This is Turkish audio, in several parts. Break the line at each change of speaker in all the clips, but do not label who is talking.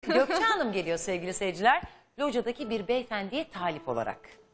Gökçe Hanım geliyor sevgili seyirciler. Locadaki bir beyefendiye talip olarak.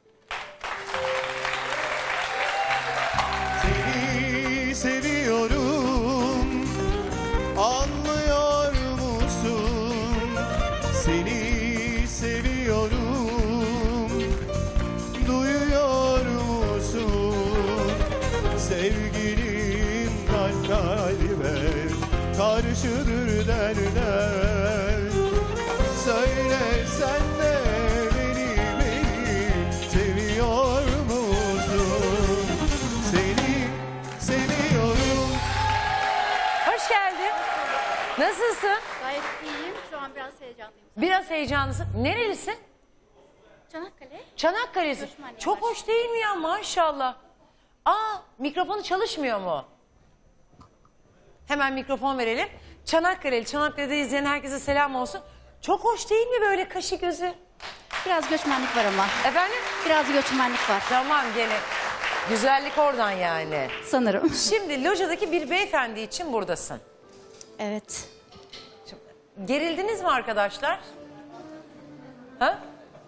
Seni seviyorum, anlıyor musun? Seni seviyorum, duyuyor musun? Sevgilim kalp kalbe karşıdır derler. Söyle sen de beni seviyor musun? Seni seviyorum.
Hoş geldin. Nasılsın?
Gayet iyiyim. Şu an biraz heyecanlıyım.
Biraz heyecanlısın. Nerelisin?
Çanakkale.
Çanakkale'sin.
Göçmenlik
Çok
var.
hoş değil mi ya maşallah. Mikrofonu çalışmıyor mu? Hemen mikrofon verelim. Çanakkale'de izleyen herkese selam olsun. Çok hoş değil mi böyle kaşı gözü?
Biraz göçmenlik var ama.
Efendim?
Biraz göçmenlik var.
Tamam gene. Güzellik oradan yani.
Sanırım.
Şimdi locadaki bir beyefendi için buradasın.
Evet.
Gerildiniz mi arkadaşlar? Ha?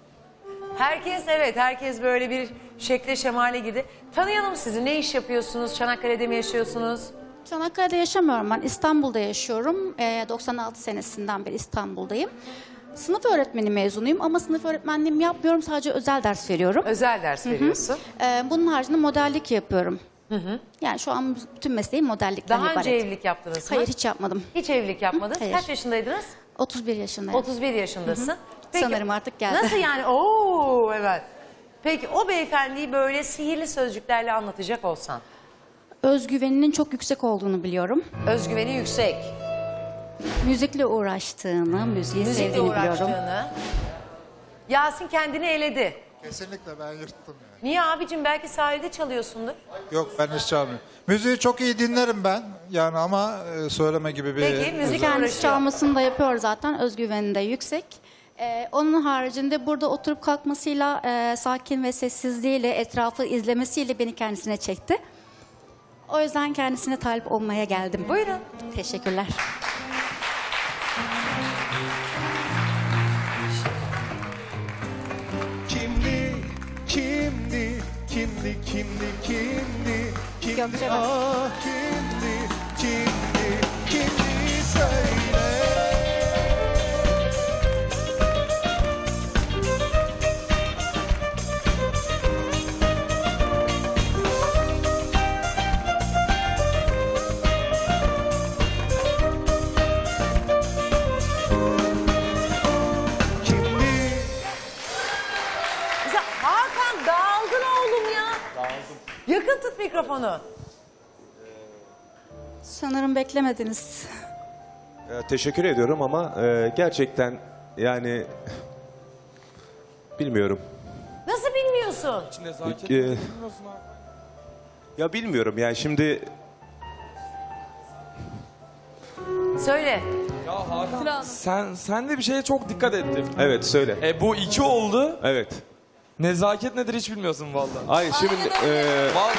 Herkes böyle bir şekle şemale girdi. Tanıyalım sizi. Ne iş yapıyorsunuz? Çanakkale'de mi yaşıyorsunuz?
Çanakkale'de yaşamıyorum ben. İstanbul'da yaşıyorum. 96 senesinden beri İstanbul'dayım. Sınıf öğretmeni mezunuyum ama sınıf öğretmenliğimi yapmıyorum. Sadece özel ders veriyorum.
Özel ders veriyorsun.
Bunun haricinde modellik yapıyorum. Yani şu an bütün mesleğim modellikten
Daha
ibaret.
önce evlilik yaptınız mı?
Hayır, hiç yapmadım.
Hiç evlilik yapmadınız.
Hayır.
Kaç yaşındaydınız?
31 yaşındayım.
31 yaşındasın.
Sanırım artık geldi.
Nasıl yani? Oo evet. Peki o beyefendiyi böyle sihirli sözcüklerle anlatacak olsan.
Özgüveninin çok yüksek olduğunu biliyorum.
Özgüveni yüksek.
Müzikle uğraştığını, müziği
Müzikle
sevdiğini biliyorum.
uğraştığını. Yasin kendini eledi.
Kesinlikle ben yırttım yani.
Niye abicim? Belki sahilde çalıyorsundur.
Yok ben hiç çalmıyorum. Müziği çok iyi dinlerim ben yani ama söyleme gibi bir...
Peki, müzik
Kendisi
uğraşıyor.
çalmasını da yapıyor zaten. Özgüveni de yüksek. Onun haricinde burada oturup kalkmasıyla, sakin ve sessizliğiyle, etrafı izlemesiyle beni kendisine çekti. O yüzden kendisine talip olmaya geldim.
Buyurun.
Teşekkürler.
Kimdi, kimdi, kimdi, kimdi, kimdi, kimdi,
Gökçe bak.
ah kimdi, kimdi, kimdi söyle. Kimdi?
Mesela Hakan dağıldın oğlum ya. Dağıldım. Yakın tut mikrofonu.
Sanırım beklemediniz.
Teşekkür ediyorum ama gerçekten yani bilmiyorum.
Nasıl bilmiyorsun?
E, ya bilmiyorum yani şimdi
Söyle.
Ya Hakan sen de bir şeye çok dikkat ettin.
evet söyle.
Bu 2 oldu.
Evet.
Nezaket nedir hiç bilmiyorsun vallahi.
Hayır şimdi
Vallahi.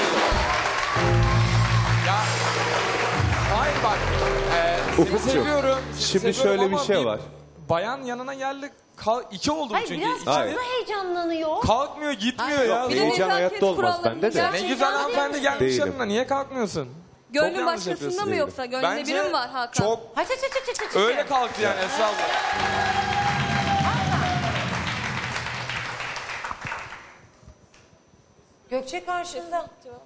Ya hayır bak. Seni
Ufukcuğum,
seviyorum.
şimdi
seviyorum
şöyle bir
ama
şey var.
Bayan yanına geldi. 2 oldu
Hayır
çünkü.
biraz
İki-
fazla
Hayır.
heyecanlanıyor.
Kalkmıyor gitmiyor ya.
heyecan hayatta olmaz bende de.
Ne güzel hanımefendi gelmiş
Değilim.
yanına. Niye kalkmıyorsun? Çok
Gönlün
yanlış
başkasında
yapıyorsun.
mı yoksa? Gönlünde
Bence
biri mi var Hakan?
çok
Hadi hadi.
öyle kalktı yani Esra abla.
Gökçe karşında.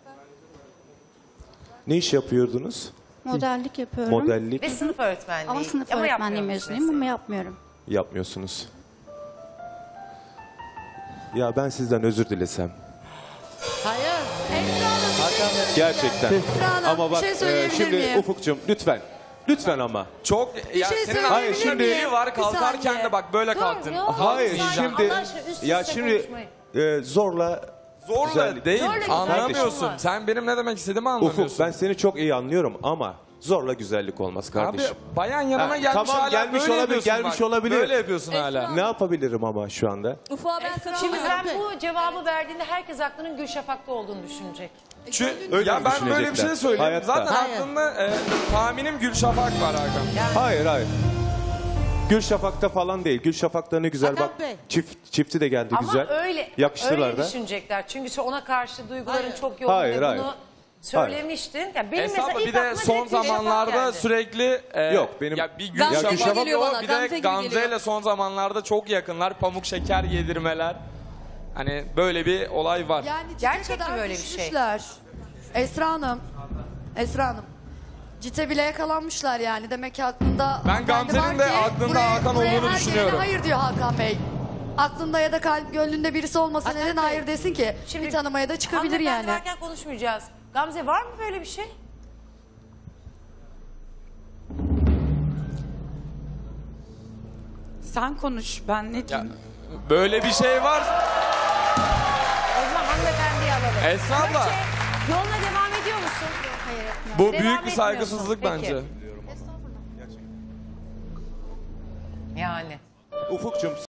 Ne iş yapıyordunuz?
Modellik yapıyorum.
Modellik
Ve sınıf öğretmenliği.
Ama sınıf öğretmenliği
yapmıyormuş
mezunuyum ama yapmıyorum.
yapmıyorsunuz. Ya ben sizden özür dilesem. Gerçekten.
Hanım,
Ama bak
bir şey söyleyebilir
şimdi
miyim?
Ufukcuğum lütfen. Lütfen ama.
Çok ya
şey
senin
söyleyebilir
Hayır, şimdi-
biri var kalkarken
saniye.
de bak böyle kalktın.
ya.
Hayır
Lütfen,
şimdi
Allah aşkına üst üste
ya şimdi
konuşmayın.
zorla
Zorla
güzellik.
değil.
Zorla güzellik
Anlamıyorsun.
var.
Sen benim ne demek istediğimi anlamıyorsun.
Ufuk ben seni çok iyi anlıyorum ama zorla güzellik olmaz kardeşim.
Abi bayan yanıma
Ha,
gelmiş
tamam,
hala
gelmiş
böyle
olabilir,
yapıyorsun
gelmiş
bak.
olabilir.
Böyle yapıyorsun hala.
Ne yapabilirim ama şu anda?
Ufa ben
Şimdi
katılıyorum.
sen bu cevabı verdiğinde herkes aklının Gülşafak'ta olduğunu düşünecek.
Öyle
Ya
mi
ben böyle bir
düşünecekler?
şey söyleyeyim.
Hayatta.
Zaten aklımda tahminim Gülşafak var Hakan.
Hayır hayır. Gül Şafak'ta falan değil. Gül Şafak'ta ne güzel
Hakan
bak.
Bey.
Çifti de geldi
Ama
güzel.
öyle
Yakıştılar da.
düşünecekler. Çünkü ona karşı duyguların
Hayır.
çok yoğun
Hayır,
ve
hayır.
bunu söylemiştin. Yani benim
Esra
mesela
abla
ilk
bir de
aklıma
son
direkt Gül Şafak
zamanlarda
geldi.
sürekli
Yok, benim-
ya bir
Gamze
Gülşah
gibi
Şafak
geliyor
o,
bana,
bir
Gamze
de
gibi
Gamze
geliyor.
ile son zamanlarda çok yakınlar. Pamuk şeker yedirmeler. Hani böyle bir olay var.
Yani cite
Gerçek mi
kadar
böyle bir şey?
düşmüşler. Esra Hanım. Cite bile yakalanmışlar yani. Demek ki aklında...
Ben
hanımefendi
Gamze'nin
var
de
ki
aklında Hakan
buraya
olduğunu
her
düşünüyorum.
gelene hayır diyor Hakan Bey. Aklında ya da gönlünde birisi olmasa neden hayır desin ki?
Şimdi
bir tanımaya da çıkabilir yani.
Hanımefendi varken konuşmayacağız. Gamze var mı böyle bir şey?
Sen konuş, ben ne
Ya,
diyeyim?
böyle bir şey var.
O zaman hanımefendiyi alalım.
Esra abla.
Gökçe, yoluna devam ediyor musun?
Hayır etmiyorum.
Bu
Devam
büyük bir
etmiyorsun.
saygısızlık
Peki.
bence.
Yani.
Ufuk'cum